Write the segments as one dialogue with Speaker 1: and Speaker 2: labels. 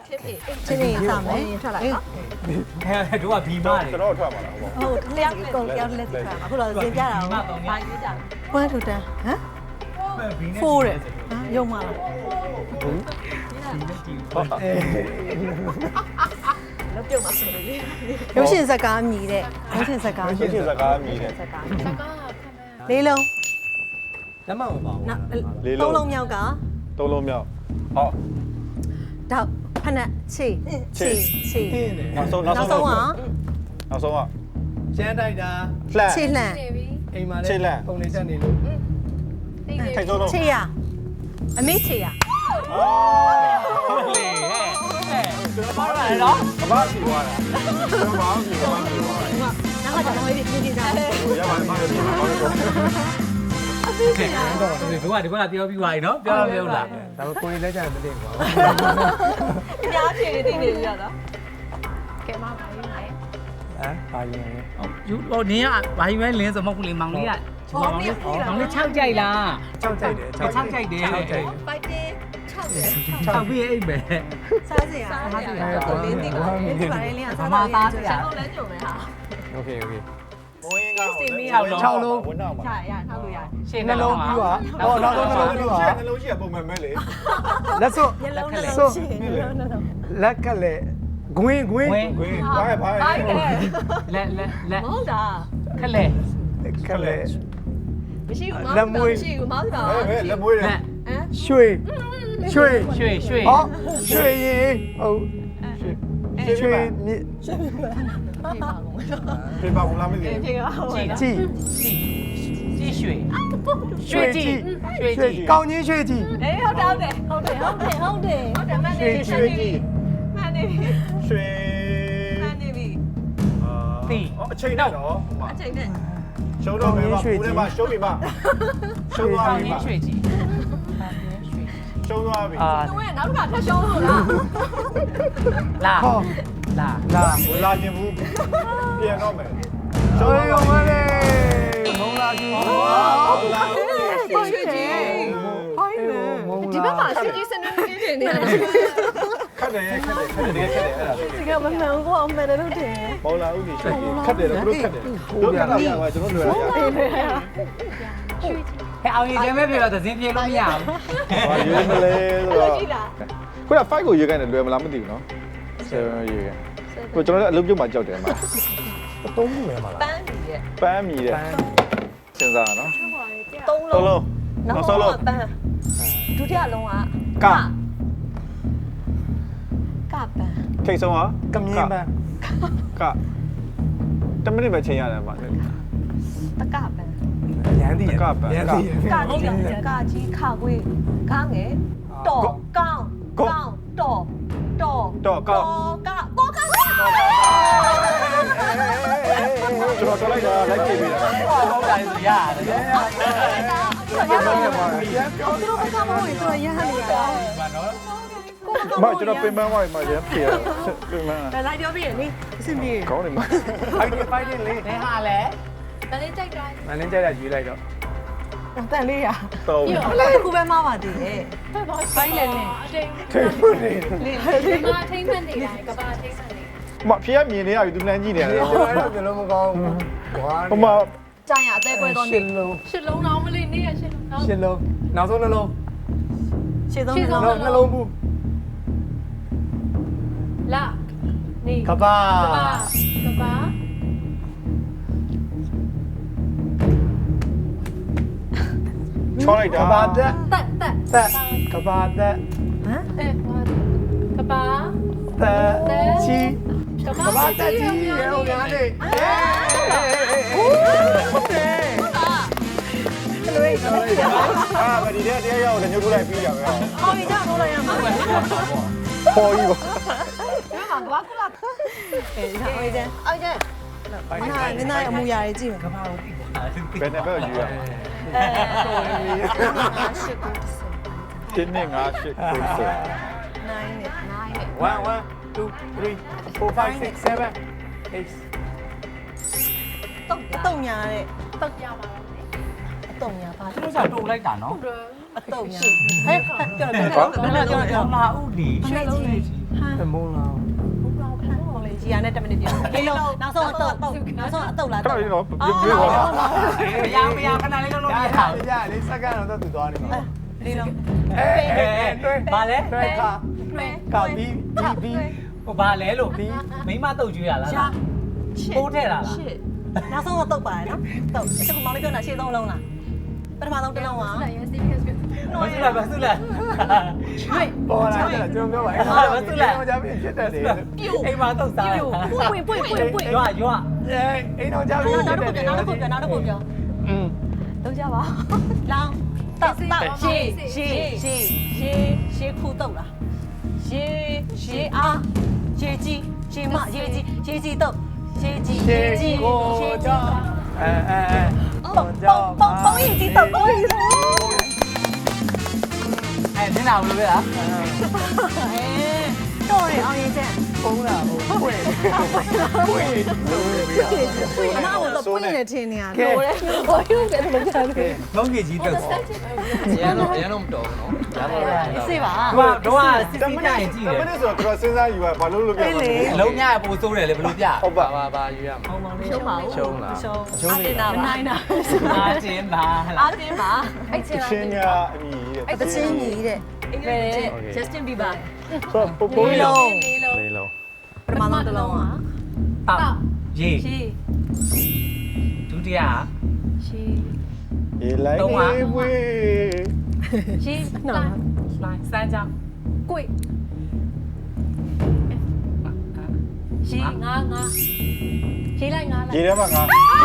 Speaker 1: ချင်းနေစမယ်ထွက်လာနော်
Speaker 2: ဟဲ့တို့ကဘီမားတယ်
Speaker 3: ကျွန်တော်ထွက်ပါလားဟုတ်ပါ
Speaker 1: ဟုတ်လျှောက်ကိုလျှောက်လက်စီထွက်အခုတော့သင်ပြတာဟုတ်ဘာရေးကြလဲ1 to 10ဟမ်4တဲ့ရုံမလားလောက်ပြုတ်မှာဆိုလို့ရုပ်ရှင်ဇာတ်ကားမြည်တဲ့ရုပ်ရှင်ဇာတ်ကား
Speaker 3: ရှင်းရှင်းစကားမြည်တယ်
Speaker 1: ဇာတ်ကားလေးလုံး
Speaker 2: လက်မမပါဘူး
Speaker 1: သုံးလုံးမြောက်က
Speaker 3: သုံးလုံးမြောက်ဟော
Speaker 1: တောက်ဖနက်ချီချီ
Speaker 3: နောက်ဆုံး
Speaker 1: နောက်ဆုံးက
Speaker 3: နောက်ဆုံးက
Speaker 2: ကျန်းတိုက်တာ
Speaker 3: လှန်
Speaker 1: ချီလှန်
Speaker 2: အိမ်မှာလည်းပုံလေးတက်နေလို့
Speaker 3: ထိတ်ဆုံးလုံး
Speaker 1: ချီရအမေချီရ
Speaker 2: ဟုတ်လေဟဲ့ကျွန်တော်ပါရနော်
Speaker 3: အဘာစီသွားတာကျွန်တော်ဘာစီသွားတာ
Speaker 1: နောက်ကကျွန်တော်ရေးပြင်ကြတယ်
Speaker 3: ရပါတယ်မဟုတ်ဘူးဘာလို့
Speaker 2: တော့ဒီကပြောပြီးသွားပြီနော်ပြောပြောလားဒါပေမဲ့ကိုယ်လက်ကြမသိဘူးကွာ
Speaker 1: အများကြီးနေနေရတာ
Speaker 4: ကဲမပါဘူးလေ
Speaker 2: ဟမ်ပါရင်
Speaker 5: ယူဟိုနင်းကဘာယူမဲလင်းဆိုမဟုတ်ဘူးလေမောင်လေးကမောင်လေး6ကြိုက်လား
Speaker 2: ကြောက်ကြိုက်တယ်
Speaker 5: 6ကြိုက်တယ်
Speaker 2: ကြောက်ကြိုက်
Speaker 1: ဖိုက်တင်6တယ်
Speaker 5: 6ပြီးအိမ်ပဲ
Speaker 1: စားစရာဟာဒီတော့လင်းတင်ပါလင်းတင်ပါလေလင်းကစားတော့လဲကြုံမယ်ဟာ
Speaker 2: โอเคโอเค
Speaker 3: ဘိုးရင်က
Speaker 2: 6လုံး
Speaker 3: ဝန်းတော့မှာ
Speaker 1: ချရထောက်လို့ရ
Speaker 5: ရှေ့
Speaker 2: နှလုံးပြီးပါဟောနောက်လုံးပြီးပါ
Speaker 3: နှလုံးရှိရပုံမှန်မဲ့လေ
Speaker 2: လက်စွပ်
Speaker 1: ညလုံးနှလုံးရှိနှလုံး
Speaker 2: လက်ကလည်းဂွင်း
Speaker 3: ခွေးဘာဘာ
Speaker 5: လက်
Speaker 1: မဟုတ်တာ
Speaker 5: ခက်လေ
Speaker 2: ကလည်း
Speaker 1: မရှိဘူးမရှိဘူးမောက်တာ
Speaker 3: ဟဲ့လက်မွေးတယ်
Speaker 2: ရွှေရွှေ
Speaker 5: ရွှေရွှေ
Speaker 2: ဟောရွှေရင်ဟုတ်ရွှေမြစ်
Speaker 3: ပြေပါဘူးလားမသိဘူး
Speaker 1: ပြေပါဟို
Speaker 2: ကြည်
Speaker 5: ကြည့်ရွှေရွှေကြည့်ရွှေကြည့်
Speaker 2: ကောင်းကြီးရွှေကြည်
Speaker 1: အေးဟုတ်တယ်ဟုတ်တယ်ဟုတ်တယ်ဟုတ်တယ်ဟုတ်တယ်မှန်နေပြီ
Speaker 3: ရွှေကြီး
Speaker 1: မှန်နေပြီ
Speaker 3: ရွှေ
Speaker 1: မှန်နေပြီ
Speaker 3: အချိန်နဲ့တော့
Speaker 1: အချိန်နဲ့
Speaker 3: ရှုံးတော့မယ်ပါဘူးထဲမှာရှုံးပြီပါရှုံးသွား
Speaker 5: ကောင်း
Speaker 3: ပြီ
Speaker 5: ကြီး
Speaker 3: ပါ
Speaker 5: ရွှေကြည့်
Speaker 3: ရှုံးသွားပြီ
Speaker 1: သူကနောက်တစ်ခါထပ်ရှုံးလို့လား
Speaker 5: လာ
Speaker 2: ဟော
Speaker 5: လာ
Speaker 2: လာ
Speaker 3: လာခြင်းဘူးပြန်တော့မယ်
Speaker 2: ရှုံးရုံပဲလေမုံလာကြီး
Speaker 3: ဟုတ်လား
Speaker 1: ရွှေကြီးဟိုင်းလေဒီဘက်မှာရွှေကြီးစနေနေနေနေ
Speaker 3: ခက်တယ်ခက်တယ်ခက်တယ်ခက်တယ်အဲ့ဒါ
Speaker 1: ဒီကမမှန်ဘူးအောင်မယ်လို့တင်
Speaker 3: မောင်လာဦးကြီးခက်တယ်တော့ဘလို့ခက်တယ်တို့ခက်တာရပါကျွန်တော်လွယ်ရ
Speaker 5: ဟဲ့အောင်ရင်ကျဲမဲ့ပြေတော့သင်းပြေလို့မရဘူး
Speaker 3: ဘာရွေးမလဲဆိုတော့
Speaker 1: ကြည့်လား
Speaker 3: ခုန5ကိုရွေးခိုင်းတယ်လွယ်မလားမသိဘူးနော်7ရွေးခိုင်းကိုကျွန်တော်လည်းအလုပ်ပြုတ်မှကြောက်တယ်မှာ
Speaker 2: သုံးခုပဲမလား
Speaker 1: ပန်းကြီးရဲ့
Speaker 3: ပန်းမီတဲ့စဉ်းစားနော်
Speaker 1: သုံး
Speaker 3: သုံး
Speaker 1: လုံး
Speaker 3: လုံး
Speaker 1: နောက်
Speaker 3: နောက်
Speaker 1: ဆုံး
Speaker 3: ဆုံး
Speaker 1: လုံး
Speaker 3: လုံး
Speaker 1: ပန်းဒုတိယလုံးက
Speaker 3: က
Speaker 1: ကပန်း
Speaker 3: ထိတ်ဆုံးက
Speaker 2: ကမြင်းပန်း
Speaker 3: က10မိနစ်ပဲချိန်ရတယ်မှာ
Speaker 1: တကပန်း
Speaker 2: ရန်သည်ရန်သည်
Speaker 1: ကကြီးခခွေးကားငယ်တော်ကောင်းကောင်းတော်တော်
Speaker 3: တော့ကောက်
Speaker 1: ကတော့က
Speaker 3: ကျွန်တော်တော်လိုက်တာလိုက်ပြေးပြီလား
Speaker 5: ဟုတ်တယ်ဆိုရတယ်
Speaker 1: ပြောတော့ကမဟုတ်ရင်သူရဟန်းနေရ
Speaker 3: မကျွန်တော်ပင်ပန်းသွားပြီမှာရမ်းပြေးတယ်ပင်ပန်း
Speaker 1: ဒါလိုက်ပြောပြီးရလေအဆင်ပြေ
Speaker 3: ကောင်းတယ်မှာ
Speaker 2: ဖိုက်တင်လေး
Speaker 5: ဘယ်ဟာလဲ
Speaker 4: တလေးကြိုက်တာ
Speaker 2: မင်းကြိုက်တာယူလိုက်တော့
Speaker 1: တန်လေးရ
Speaker 3: တော့
Speaker 1: အလေးကူပဲမပါသေးတယ်
Speaker 4: ဖက်ပါဆိုင်လေလေအတိတ်
Speaker 3: ထိတ်ဖွနေ
Speaker 4: ဒီမှာထိမ့်မှန်နေတာကဘာထိမ့်မှန်နေ
Speaker 3: မဖေကမြင်နေရပြီသူလမ်းကြည့်နေရတယ်
Speaker 2: ကျွန်တော်လည်းဘယ်လိုမကောင်းဘူး
Speaker 3: ဟိုမှာ
Speaker 1: ကြာရအသေးပွဲတော့နေ
Speaker 2: ရှစ်လုံး
Speaker 4: ရှစ်လုံးတော့မလေးနေရရှစ်လုံးတော့
Speaker 2: ရှစ်လုံးနောက်ဆုံးနှလုံး
Speaker 1: ရှေ့ဆုံးနှလုံး
Speaker 2: နှလုံးဘူး
Speaker 4: လာနေ
Speaker 2: ကဘာ
Speaker 4: ကဘာ
Speaker 3: ချောလိုက်
Speaker 2: က
Speaker 3: တာ
Speaker 2: ဘာတက်
Speaker 4: တက်တက်
Speaker 2: သက်ကဘာတက်
Speaker 1: ဟမ်
Speaker 4: အဲဟောကဘာ
Speaker 2: သက်ချီ
Speaker 4: က
Speaker 2: ကဘာတက်ချီရေဦးများနေ
Speaker 3: အာမဒီတဲ့တရားရောက်တယ်ညှို့ထိုးလိုက်ပြီးကြပဲ
Speaker 1: အော်ဒီကြောက်တော့ရမှာပဲ
Speaker 3: ပေါ်ကြီးပါ
Speaker 1: ဒီမှာဘာကလာအေးဒါအိုင်ကျန်အိုင်ကျန်မနာအမူအရာတွေကြည့်မယ်
Speaker 5: ကဘာကိုသိတာ
Speaker 3: ဘယ်နဲ့ပဲယူရ တင်းနေငါရှစ်ကိုစ
Speaker 1: 9နဲ့
Speaker 2: 1 1 2 3 4 5 6 7 8
Speaker 1: တုံညာတဲ့
Speaker 4: တက်ရပါတော့
Speaker 1: အတုံညာပါ
Speaker 5: သူတို့ကတူလိုက်တာနော်
Speaker 1: အတုံညာဟဲ့ပြောတယ်ပြောတယ်
Speaker 5: လာဦးဒီ
Speaker 1: ဖက်ကြီးဖ
Speaker 2: မုန်းလား
Speaker 1: ဟိုလေကြီးရနဲ့10မိနစ်ပြလေးလုံးနောက်ဆုံးအတုပ်နောက်ဆုံးအတုပ်လား
Speaker 3: ခဏလေးတော့ပြေးပါ
Speaker 5: မရခဏလေးလုံးလုံး
Speaker 2: ရ
Speaker 5: ရ
Speaker 2: တာ
Speaker 5: တာ
Speaker 2: ရလေးစက္ကန့်တော့သူသွားနေမှာ
Speaker 1: လေးလုံး
Speaker 2: တွဲ
Speaker 5: ဘာလဲ
Speaker 2: တွဲခါကာဘီဘီ
Speaker 5: ဟိုဘာလဲလို့မိမတုတ်ကျွေးရလားပိုးထဲတာလား
Speaker 1: ရှစ်နောက်ဆုံးအတုပ်ပါတယ်နော်တုပ်အခုမောင်လေးပြောတာရှေ့ဆုံးလုံးလားပထမဆုံးတစ်လုံးပါ
Speaker 4: 来也是一个是。
Speaker 5: မဆုလားမဆုလား
Speaker 2: ပေါ်လာတယ်ကျွန်တော်ပြောပါအဲ့တော့ကြာပြီဖြစ်တယ်လေ
Speaker 5: အိမ်မှာတုတ်စား
Speaker 1: ပွင့်
Speaker 5: ရွာရွာ
Speaker 2: အိမ်တော့ကြာပြီ
Speaker 1: နောက်
Speaker 2: ဖြစ်
Speaker 1: တစ်
Speaker 2: တယ်
Speaker 1: ခုပြောနောက်တစ်ခုပြော
Speaker 4: 都加吧。
Speaker 1: လောင်းတောက်ရှေးခုတုပ်လားရှေးအားရှေးကြီးရှေးမရှေးကြီးတုပ်ရှေးကြီး
Speaker 2: ကိုကြောင့်
Speaker 1: ပုံရည်ကြီးတုပ်ပုံရည်
Speaker 5: အဲ့နင်းလာဘူးလေလား
Speaker 1: တော့ရအောင်ရင်ချက်
Speaker 2: ပုံးလာဟုတ်ဖွင့်ဖွင့်
Speaker 1: အမကတော့ပွင့်နေတယ်ထင်နေရတယ်
Speaker 4: 我又给他们讲了。
Speaker 5: ငုံကြီးကြီးတုတ်
Speaker 6: ရန်တော့မတော်ဘူးနော်ရန်တော့
Speaker 1: စေးပါ
Speaker 5: တော့စစ်စစ်ကြရင်ကြည့်တယ်
Speaker 3: 10မိနစ်ဆိုတော့စဉ်းစားယူပါဘာလို့လုပ်ပြလဲ
Speaker 5: အလုံးညရပိုဆိုးတယ်လေဘလို့ပြ
Speaker 3: ဟုတ်ပါ
Speaker 6: ဘာယူရမှာ
Speaker 1: ရှုံးပါဦး
Speaker 6: ရှုံးလား
Speaker 1: ရှုံးနေတာပါနိုင်တာ
Speaker 5: အားချင်းပါဟ
Speaker 1: အား
Speaker 5: လား
Speaker 1: တင်းပါ
Speaker 4: 哎，进
Speaker 3: ချင်း
Speaker 4: 来。
Speaker 3: ညာအညီတဲ့
Speaker 1: တချင်းကြီးတဲ့
Speaker 4: 对。
Speaker 1: Justin Bieber
Speaker 3: ဆိုတော့ပုံလေးလုံး
Speaker 6: လေးလုံး
Speaker 1: ပထမဆုံးတစ်လုံးอ่ะ
Speaker 5: တောက်ရေ
Speaker 1: ရှေး
Speaker 5: ဒုတိယ
Speaker 3: ရေလိုက်နေဝေး
Speaker 1: ရှေးနော်
Speaker 5: လိုင်းစမ်းကြောင်း
Speaker 4: 贵。
Speaker 1: ရှေးငါရှေးလိုက်ငါလိုက်
Speaker 3: ရေထဲမှာငါ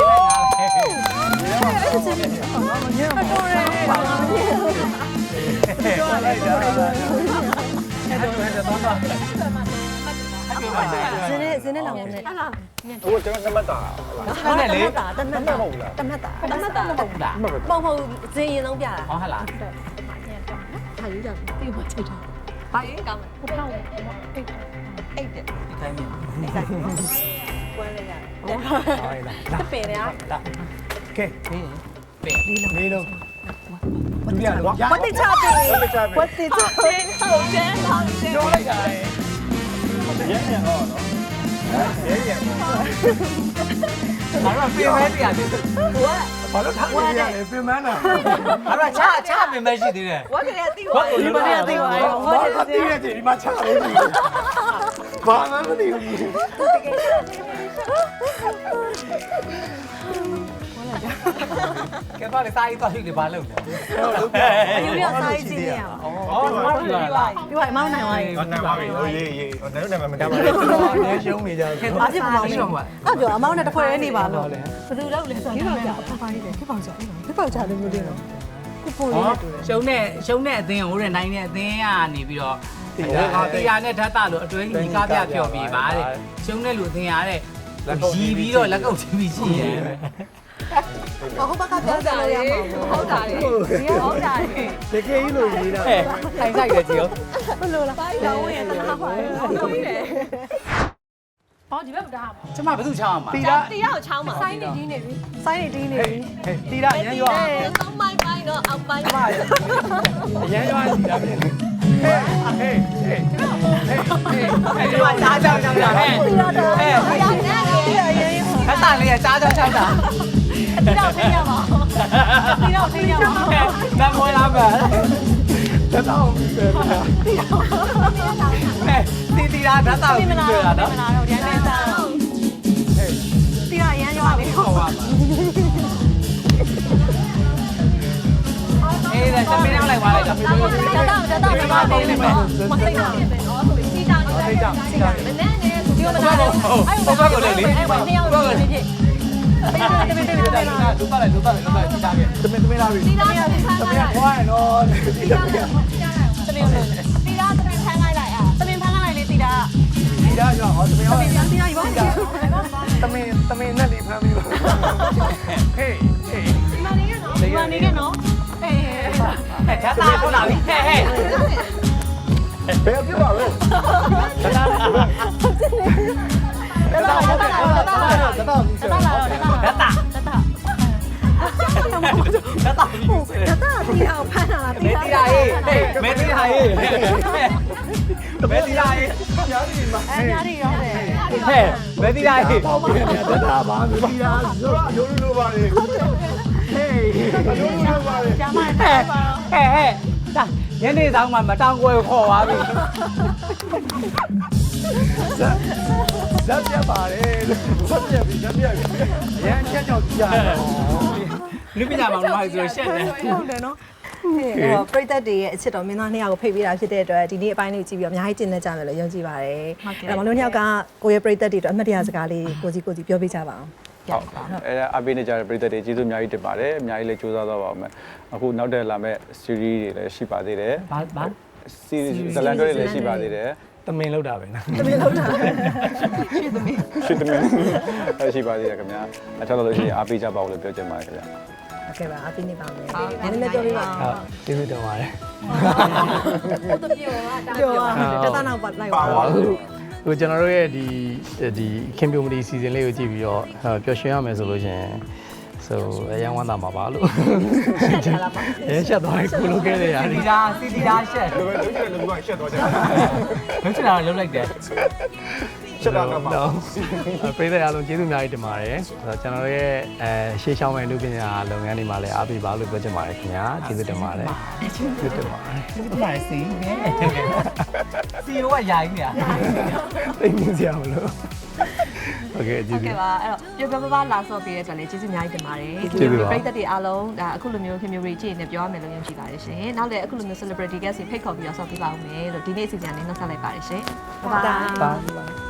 Speaker 2: ပြောလိုက်တာ
Speaker 5: အဲ့တော့တော့
Speaker 1: ဇင်းနဲ့လောင်နေဟာလား
Speaker 3: ဟိုကျွန်တော်နမတာ
Speaker 5: ဟုတ်တယ်လေ
Speaker 1: တမတ်တာ
Speaker 3: ဟုတ်လား
Speaker 1: တမတ်တာ
Speaker 5: မဟုတ်လား
Speaker 1: မဟုတ်ဇင်းရင်ဆုံးပြတာ
Speaker 5: ဟောဟလား
Speaker 1: ဟာယူကြပြီ
Speaker 4: 对我这张。
Speaker 1: ဘာရင်ကောင်းလဲ
Speaker 4: 不怕我。哎。
Speaker 1: အိတ်တယ်
Speaker 5: ဒီတိုင်းမြင်
Speaker 1: ကွဲလိုက်ရတယ်
Speaker 2: ဟုတ်လား
Speaker 1: ပင်ရ
Speaker 2: ကဲ လေးလုံးဒုတိယလုံး
Speaker 1: ဝတ်တိချတယ်
Speaker 3: ဟုတ်ချာပဲ
Speaker 1: ဝတ်တိချတယ်ဟုတ်တယ်ဟုတ်တယ်
Speaker 2: ပြောလိုက်တာ
Speaker 3: ရဲမြန်တော့နော်ရဲမြန်ပေါ့
Speaker 5: ငါတို့ပြင်မဲတရားတယ်
Speaker 2: ဘာလို့ထားနေရလဲပြင်မန်းတာ
Speaker 5: ငါတို့ချပြင်မဲရှိသေးတယ်
Speaker 1: ဝတ်ကလေးတိဝါဒီမနေ့တိဝါဝ
Speaker 2: ဘာ
Speaker 1: တ်
Speaker 2: လို့
Speaker 1: တယ်
Speaker 2: တည်ရဒီမှာချလို့ဘာမှမသိဘူး
Speaker 5: ကဲပါလေစာရေးသွားပြီလေဘာလုပ်လဲ
Speaker 1: ယူရဆိုင်ကြည့်နေရပါ
Speaker 5: အော်ဘာလို့လဲလား
Speaker 1: ဒီဝိုင်မောင်းနိုင်သွားပြီ
Speaker 3: ဟုတ်တယ်ပါပြီဟိုရေးရေးဟိုလည်းမကမ်းပါ
Speaker 2: ကျွန်တော်အနည်းရှုံးနေကြတယ်
Speaker 1: အားပြမောင်းနေအဲ့ပြောအမောင်းနဲ့တစ်ဖွဲ့နေပါလို့
Speaker 2: ဟုတ်လေ
Speaker 1: ဘယ်သူလောက်လဲဆိုတော့ခေပေါက်ကြခေပေါက်ကြခေပေါက်ကြလို့မျိုးလေးတော့ခုပုံလေးနဲ့တူတယ်
Speaker 5: ရှုံးတဲ့အသင်းဟိုတဲ့နိုင်တဲ့အသင်းကနေပြီးတော့တရားနဲ့ဓာတ်တလို့အတွဲကြီးကားပြဖြော်ပြီးပါတဲ့ရှုံးတဲ့လူအသင်းရတဲ့ရီပြီးတော့လက်ကုပ်ချပြီးရှိရဲ
Speaker 1: ဟုတ်ပါကပြောကြလို့ရမှာဟုတ်တာလေဟုတ်တာလေ
Speaker 2: တကယ်ကြီးလို့ရေးတာ
Speaker 5: ဟဲ့ထိုင်ဆိုင်တယ်ကြည့်
Speaker 1: ဘယ်လိုလဲရောင်းဝင်တာပါဟုတ်ပြီလေ
Speaker 4: 哦，你别不打嘛。
Speaker 5: ကျမဘယ်သူချောင်းမှာ
Speaker 2: တီတာ
Speaker 1: တီရောက်ချောင်းမှာ
Speaker 4: 塞你里那边。
Speaker 1: စိုင်းနေတင်းနေ
Speaker 2: ဟေးတီတာရမ်းရွာ
Speaker 1: သုံးမိုင်းပိုင်းတော့အောက်ပိုင်း
Speaker 2: ရမ်းရွာတီတာပြင်ဟေးဟေးဟေး
Speaker 5: အဲ့ဒီမှာကြားချောင်းချောင်းတာဟဲ့ဟဲ့
Speaker 1: ရောင်းနေတယ်
Speaker 5: အတန်လေးကကြားချောင်းချောင်းတာ
Speaker 1: တီတော့ထိရပါတီတော့ထိရပါ
Speaker 5: နမောလာပါ
Speaker 2: တတောင်းပြီးတယ်
Speaker 5: တီရာဓာတ်တောက်
Speaker 1: ပြင်မ
Speaker 5: ပြီး
Speaker 1: လား
Speaker 5: တွေ့
Speaker 1: တော့
Speaker 5: တာ
Speaker 1: ပြင်
Speaker 5: နော်
Speaker 1: မလားတော့ရမ်းနေတာတီရရမ်းရွာနေ
Speaker 5: ဟုတ်ပါပါအေးဒါသမီးနောက်လိုက်ပါလိုက်တော့
Speaker 1: တော့တော့ဒီမှာနေနေမယ်မသိတာစီတောင်စီတောင်စီတောင်မနဲ့နေဒီမလားအဲ့ဘာကိုလဲလေအဲ့ဘာနှစ်ယောက်နေဖြစ်ပေးတယ်
Speaker 5: လူပါလိုက်တီတာပြ
Speaker 2: သမင်းလာပြီ
Speaker 1: တီတာရ
Speaker 2: သမင်းခွာရနော်တီတာ
Speaker 1: တီတာသမင်းဖမ်းလိုက်လိုက်อ่ะသမင်းဖမ်းလိုက်လေတီတာ
Speaker 2: တီတာရွာဟောသမင်းဟော
Speaker 1: တီတာယူပါဦး
Speaker 2: သမင်းနဲ့လေးဖမ်းပြီးပါဟေးဟေး
Speaker 1: ဒီမှာနေရနော်ဒီမှာနေရနော်ဟေး
Speaker 5: ဟဲ့ဓာတ်တောက်လာပြီဟဲ့
Speaker 3: ဘယ်ပြပါလို့
Speaker 2: တတောင်းတတောင်းတတောင်း
Speaker 5: ဓာတ်တာ
Speaker 1: တတ
Speaker 5: လက်တော့ပြီးဆို
Speaker 1: ဒါတော့တီအောင်ဖမ်းတာလား
Speaker 5: မဲတီလာရေးမဲတီလာရေးမဲတီလာရေး
Speaker 1: အဲညာရီရောတယ်
Speaker 5: ဟဲ့မဲတီလာရေး
Speaker 2: တက်တာပါမသိတာဆိုတော့အယိုးလိုပါလေဟေးအယိုးလိုပါလေ
Speaker 1: ကျမ
Speaker 5: ဟဲ့ဒါညနေဆောင်မှမတောင်းကွယ်ခေါ်သွားပြီ
Speaker 2: ဇက်ပြတ်ပါလေဇက်ပြတ်ပြီရန်ချက်ကြောက်ကြရတယ်
Speaker 5: လူပညာမောင်နှမဆိုရှက်တယ်
Speaker 1: ဟုတ်တယ်နော်အဲ့တော့ပရိသတ်တွေရဲ့အချစ်တော်မင်းသားနှစ်ယောက်ကိုဖိတ်ပေးတာဖြစ်တဲ့အတွက်ဒီနေ့အပိုင်းလေးကြည့်ပြီးတော့အများကြီးကျင့်နေကြမယ်လို့ယုံကြည်ပါတယ်အဲ့တော့မောင်တို့နှစ်ယောက်ကကိုရဲ့ပရိသတ်တွေအတွက်အမှတ်တရစကားလေးကိုကြီးပြောပြကြပါအောင်
Speaker 3: ဟုတ်အဲအပေးနေကြတဲ့ပြည်သက်တွေကျေးဇူးအများကြီးတင်ပါတယ်အများကြီးလည်းကြိုးစားသွားပါဦးမယ်အခုနောက်တက်လာမဲ့ series တွေလည်းရှိပါသေးတယ်
Speaker 5: ဘာ
Speaker 3: series ဇလန်တွေလည်းရှိပါသေးတယ်
Speaker 2: တမင်လောက်တာပဲနော်
Speaker 1: တမင်လောက်တာ
Speaker 3: ရှိသမင်းရှိပါသေးတယ်ခင်ဗျာအထောက်လို့ရှိရင်အားပေးကြပါဦးလို့ပြောချင်ပါတယ်ခင်ဗျာ
Speaker 1: โอเคပါအပိနေပါမယ်နည်းနည်းပြောပြပါ
Speaker 2: ဟုတ်ကျေးဇူးတင်ပါတယ်
Speaker 1: ဟုတ်တယ်ပြောတတနောက်ပါလိုက်ပါ
Speaker 2: ဟိုကျွန်တော်တို့ရဲ့ဒီခင်ဗျူမတီစီဇန်လေးကိုကြည့်ပြီးတော့ပျော်ရွှင်ရမယ်ဆိုလို့ရှင်ဆိုအရန်ဝမ်းသာမှာပါလို့ရဲရှက်သွားတယ်ကိုလိုခဲ့တဲ့ຢာ
Speaker 5: စီတီတာရှက်
Speaker 3: လုံးချင်တယ်လူကရှက်သွားကြတယ်
Speaker 5: လုံးချင်တာလုံးလိုက်တယ်
Speaker 3: ရှက်တာတော့မှာ
Speaker 2: ပြည်သက်အားလုံးကျေးဇူးအများကြီးတင်ပါတယ်ကျွန်တော်ရဲ့ရှေ့ရှောင်းမဲ့လူပညာလုပ်ငန်းတွေမှာလည်းအားပေးပါလို့ပြောချင်ပါတယ်ခင်ဗျာကျေးဇူးတင်ပါတယ်ကျေးဇူးတင်ပါတယ်
Speaker 5: ဒီမှာစီနေစီရောကရိုင်းနေတာ
Speaker 2: သိနေစရာမလိုโอเคကျေး
Speaker 1: ဟုတ်
Speaker 2: ဇူး
Speaker 1: ကဲ့ပါအဲ့တော့ပြောလာဆော့ပေးတဲ့အတွက်လည်းကျေးဇူးအများကြီးတင်ပါတယ်ပရိသတ်တွေအားလုံးဒါအခုလိုမျိုးခင်မျိုးတွေကြည့်နေပြောရမယ်လို့ယုံကြည်ပါတယ်ရှင်နောက်လည်းအခုလိုမျိုး celebrity guest တွေဖိတ်ခေါ်ပြီးတော့ဆော့ပေးပါဦးမယ်လို့ဒီနေ့အစီအစဉ်လေးနှုတ်ဆက်လိုက်ပါတယ်ရှင်
Speaker 2: ပါ